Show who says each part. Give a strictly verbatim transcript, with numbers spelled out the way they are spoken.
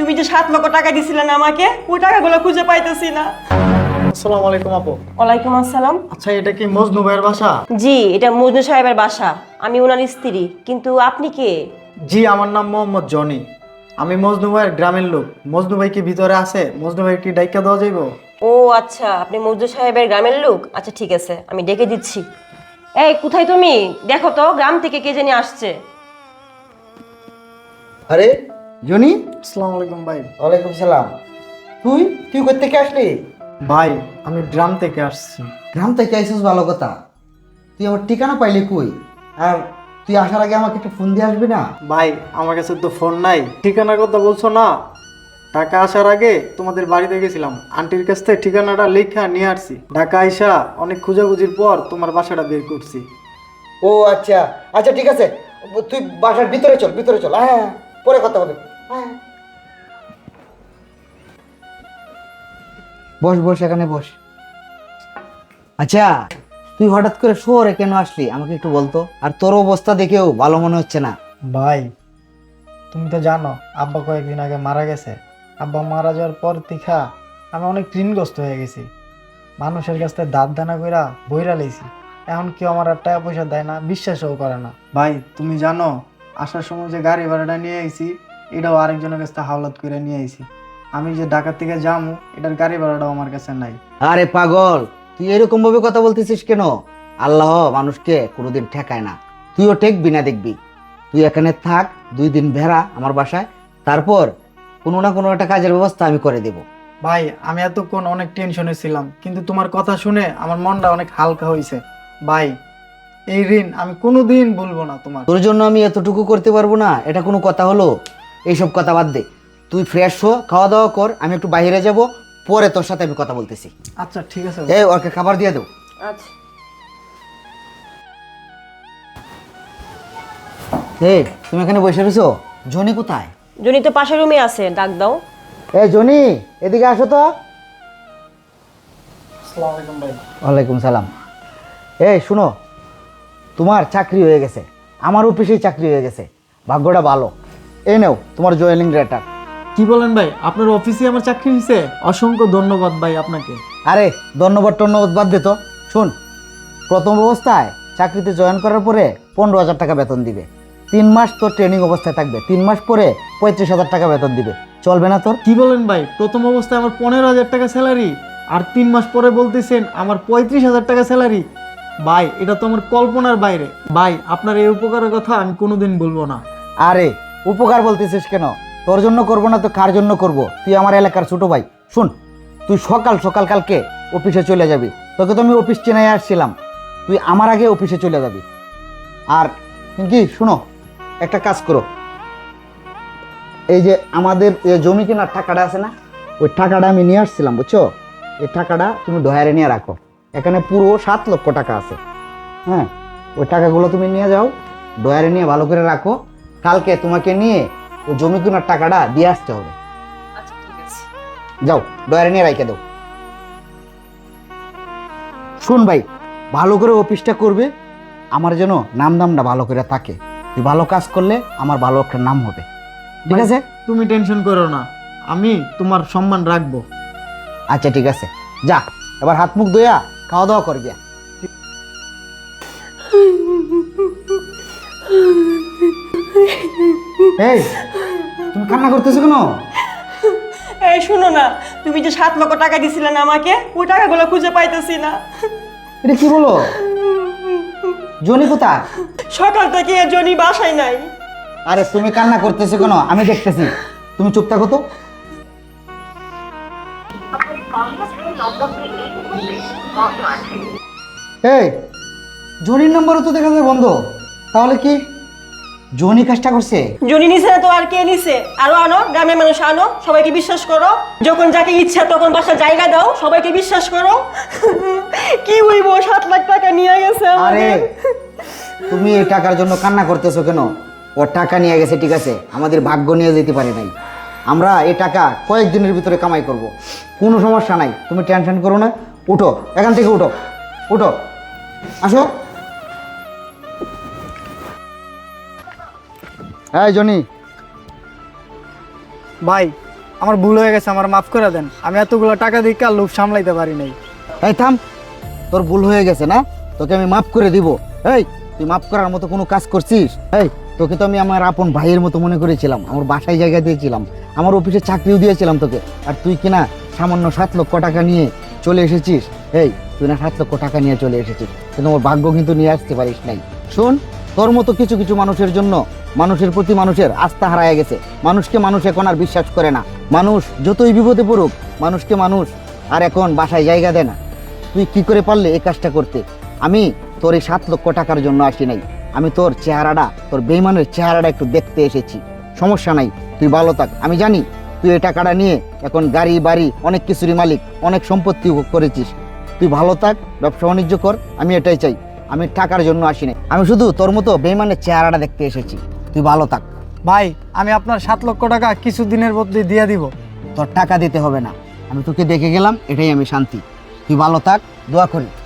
Speaker 1: তুমি যে সাত লক্ষ টাকা দিছিলে না আমাকে, ওই টাকাগুলো খুঁজে পাইতেছি না।
Speaker 2: আসসালামু আলাইকুম আপু।
Speaker 1: ওয়ালাইকুম আসসালাম।
Speaker 2: আচ্ছা, এটা কি মজনু ভাইয়ের বাসা?
Speaker 1: জি, এটা মজনু সাহেবের বাসা। আমি ওনার স্ত্রী। কিন্তু আপনি কে?
Speaker 2: জি, আমার নাম মোহাম্মদ জনি। আমি মজনু ভাইয়ের গ্রামের লোক। মজনু ভাই কি ভিতরে আছে? মজনু ভাই কি ডাইকা দেওয়া যাইব?
Speaker 1: ও আচ্ছা, আপনি মজনু সাহেবের গ্রামের লোক। আচ্ছা ঠিক আছে, আমি ডেকে দিচ্ছি। এই কোথায় তুমি? দেখো তো গ্রাম থেকে কে জানি আসছে।
Speaker 3: আরে জনি,
Speaker 2: আসসালামু আলাইকুম ভাই।
Speaker 3: ওয়ালাইকুম সালাম। তুই তুই কোথা থেকে আসলি?
Speaker 2: ভাই, আমি গ্রাম থেকে আসছি।
Speaker 3: গ্রাম থেকে আইসিস, ভালো কথা। তুই আমার ঠিকানা পাইলি কই? আর তুই আসার আগে আমাকে একটু ফোন দিয়ে আসবি না?
Speaker 2: ভাই, আমার কাছে তো ফোন নাই। ঠিকানার কথা বলছো না? ঢাকা আসার আগে তোমাদের বাড়িতে গেছিলাম, আন্টির কাছ থেকে ঠিকানাটা লেখা নিয়ে আসছি। ঢাকা আইসা অনেক খোঁজাখুঁজির পর তোমার বাসাটা বের করছি।
Speaker 3: ও আচ্ছা আচ্ছা, ঠিক আছে। তুই বাসার ভিতরে চল, ভিতরে চল। হ্যাঁ, পরে কথা হবে। হ্যাঁ, বস বস, এখানে বস। আচ্ছা, তুই হঠাৎ করে শহরে কেন আসলি আমাকে একটু বলতো। আর তোর অবস্থা দেখেও ভালো মনে হচ্ছে না।
Speaker 2: ভাই, তুমি তো জানো আব্বা কয়েকদিন আগে মারা গেছে। আব্বা মারা যাওয়ার পর তিখা আমি অনেক ঋণগ্রস্ত হয়ে গেছি। মানুষের কাছ থেকে দাঁত দানা কইরা বইরা লেছি। এখন কেউ আমার আর টাকা পয়সা দেয় না, বিশ্বাসও করে না। ভাই, তুমি জানো আসার সময় যে গাড়ি ভাড়াটা নিয়ে আইছি, এটাও আরেকজনের কাছ থেকে হাওলাত করে নিয়ে আইছি। আমি যে ঢাকা থেকে যামু, এটার গাড়ি ভাড়াটাও আমার কাছে নাই।
Speaker 3: আরে পাগল, তুই এরকম ভাবে কথা বলতেছিস কেন? আল্লাহ মানুষকে কোনোদিন ঠেকায় না। তুইও ঠেকবি না, দেখবি। তুই এখানে থাক, দুই দিন ভেড়া আমার বাসায়, তারপর কোনো না কোনো একটা কাজের ব্যবস্থা আমি করে দেব।
Speaker 2: ভাই, আমি এতক্ষণ অনেক টেনশনে ছিলাম, কিন্তু তোমার কথা শুনে আমার মনটা অনেক হালকা হয়েছে। ভাই, এই ঋণ আমি কোনোদিন ভুলবো না তোমার।
Speaker 3: তোর জন্য আমি এতটুকু করতে পারবো না, এটা কোনো কথা হলো? এইসব কথা বাদ দে, তুই ফ্রেশ হো, খাওয়া দাওয়া কর, আমি একটু বাইরে যাব, পরে তোর সাথে আমি কথা বলতেছি।
Speaker 2: আচ্ছা ঠিক আছে।
Speaker 3: এই ওকে খাবার দিয়ে দেও।
Speaker 1: আচ্ছা।
Speaker 3: এই তুমি এখানে বসে রয়েছো, জনি কোথায়?
Speaker 1: জনি তো পাশের রুমে আছে, ডাক দাও।
Speaker 3: এই জনি, এদিকে আসো তো।
Speaker 2: আসসালামু আলাইকুম ভাই।
Speaker 3: ওয়ালাইকুম সালাম। এই শুনো, তোমার চাকরি হয়ে গেছে, আমার অফিসেই চাকরি হয়ে গেছে, ভাগ্যটা ভালো। এই নাও তোমার জয়েনিং লেটার।
Speaker 2: কি বলেন ভাই, আপনার অফিসে আমার চাকরি হয়েছে? অসংখ্য ধন্যবাদ ভাই আপনাকে।
Speaker 3: আরে ধন্যবাদ টন্যবাদ বাদ দে তো। শোন, প্রথম অবস্থায় চাকরিতে জয়েন করার পরে পনেরো হাজার টাকা বেতন দিবে। তিন মাস তোর ট্রেনিং অবস্থায় থাকবে, তিন মাস পরে পঁয়ত্রিশ হাজার টাকা বেতন দিবে। চলবে না তোর?
Speaker 2: কি বলেন ভাই, প্রথম অবস্থায় আমার পনেরো হাজার টাকা স্যালারি, আর তিন মাস পরে বলতেছেন আমার পঁয়ত্রিশ হাজার টাকা স্যালারি? ভাই, এটা তো আমার কল্পনার বাইরে। ভাই, আপনার এই উপকারের কথা আমি কোনোদিন বলবো না।
Speaker 3: আরে উপকার বলতেছিস কেন? তোর জন্য করবো না তো কার জন্য করব? তুই আমার এলাকার ছোট ভাই। শুন, তুই সকাল সকাল কালকে অফিসে চলে যাবি। তোকে তো আমি অফিস চেনাই আসছিলাম, তুই আমার আগে অফিসে চলে যাবি। আর কি শুনো, একটা কাজ করো, এই যে আমাদের জমি কেনার টাকাটা আছে না, ওই টাকাটা আমি নিয়ে আসছিলাম, বুঝছো? এই টাকাটা তুমি ডয়ারে নিয়ে রাখো। এখানে পুরো সাত লক্ষ টাকা আছে। হ্যাঁ, ওই টাকাগুলো তুমি নিয়ে যাও, ডয়ারে নিয়ে ভালো করে রাখো। কালকে তোমাকে নিয়ে ওই জমি কেনার টাকাটা দিয়ে আসতে হবে।
Speaker 1: আচ্ছা ঠিক আছে।
Speaker 3: যাও, ডয়ারে নিয়ে রাখে দাও। শুন ভাই, ভালো করে অফিসটা করবে, আমার যেন নাম দামটা ভালো করে থাকে। তুই ভালো কাজ করলে আমার ভালো একটা নাম হবে, ঠিক আছে?
Speaker 2: তুমি টেনশন করো না, আমি তোমার সম্মান রাখবো।
Speaker 3: আচ্ছা ঠিক আছে, যা এবার হাত মুখ ধোয়া খাওয়া দাওয়া কর গিয়া। এই তুমি কান্না করতেছো কেন?
Speaker 1: এই শুনো না, তুমি যে সাত লক্ষ টাকা দিছিলে না আমাকে, ওই টাকাগুলো খুঁজে পাইতেছি না।
Speaker 3: এটা কি বলো? জনি কোথায়?
Speaker 1: সকাল থেকে জনি বাসায় নাই।
Speaker 3: আরে তুমি কান্না করতেছো কেন? আমি দেখতেছি, তুমি চুপ থাকো তো। এই জনির নম্বরও তো দেখা যায় বন্ধ, তাহলে কি জনি কাজটা করছে?
Speaker 1: জনি নিছে না তো আর কে নিছে? আরো আনো, গ্রামের মানুষ আনো, সবাইকে বিশ্বাস করো। যখন যাকে ইচ্ছা তখন বাসা জায়গা দাও, সবাইকে বিশ্বাস করো। কি হইব, সাত লাখ টাকা নিয়ে গেছে
Speaker 3: আরে
Speaker 1: আমাদের।
Speaker 3: তুমি এই টাকার জন্য কান্না করতেছো কেন? ও টাকা নিয়ে গেছে, ঠিক আছে, আমাদের ভাগ্য নিয়ে যেতে পারে নাই। আমরা এই টাকা কয়েকদিনের ভিতরে কামাই করব, কোনো সমস্যা নাই, তুমি টেনশন করো না। উঠো এখান থেকে, উঠো উঠো, আসো। এই জনি,
Speaker 2: ভাই, আমার ভুল হয়ে গেছে, আমার মাফ করে দেন। আমি এতগুলো টাকা দিয়ে কার লোভ সামলাইতে পারি নাই।
Speaker 3: এই থাম, তোর ভুল হয়ে গেছে না, তোকে আমি মাফ করে দিব। এই তুই মাফ করার মতো কোনো কাজ করছিস? এই তোকে তো আমি আমার আপন ভাইয়ের মতো মনে করেছিলাম, আমার বাসায় জায়গা দিয়েছিলাম, আমার অফিসে চাকরিও দিয়েছিলাম তোকে, আর তুই কিনা সামান্য সাত লক্ষ টাকা নিয়ে চলে এসেছিস। এই তুই না সাত লক্ষ টাকা নিয়ে চলে এসেছিস, কিন্তু আমার ভাগ্য কিন্তু নিয়ে আসতে পারিস নাই। শোন, তোর মতো কিছু কিছু মানুষের জন্য মানুষের প্রতি মানুষের আস্থা হারায় গেছে। মানুষকে মানুষ এখন আর বিশ্বাস করে না। মানুষ যতই বিপদে পড়ুক, মানুষকে মানুষ আর এখন বাসায় জায়গা দেয় না। তুই কি করে পারলে এই কাজটা করতে? আমি তোর এই সাত লক্ষ টাকার জন্য আসি নাই, আমি তোর চেহারাটা, তোর বেইমানের চেহারাটা একটু দেখতে এসেছি। সমস্যা নাই, তুই ভালো থাক। আমি জানি তুই এই টাকাটা নিয়ে এখন গাড়ি বাড়ি অনেক কিছুরই মালিক, অনেক সম্পত্তি ভোগ করেছিস। তুই ভালো থাক, ব্যবসা বাণিজ্য কর, আমি এটাই চাই। আমি টাকার জন্য আসি নাই, আমি শুধু তোর মতো বেইমানের চেহারাটা দেখতে এসেছি। তুই ভালো থাক।
Speaker 2: ভাই, আমি আপনার সাত লক্ষ টাকা কিছু দিনের মধ্যে দিয়ে দিব।
Speaker 3: তোর টাকা দিতে হবে না, আমি তোকে দেখে গেলাম, এটাই আমি শান্তি। তুই ভালো থাক, দোয়া করি।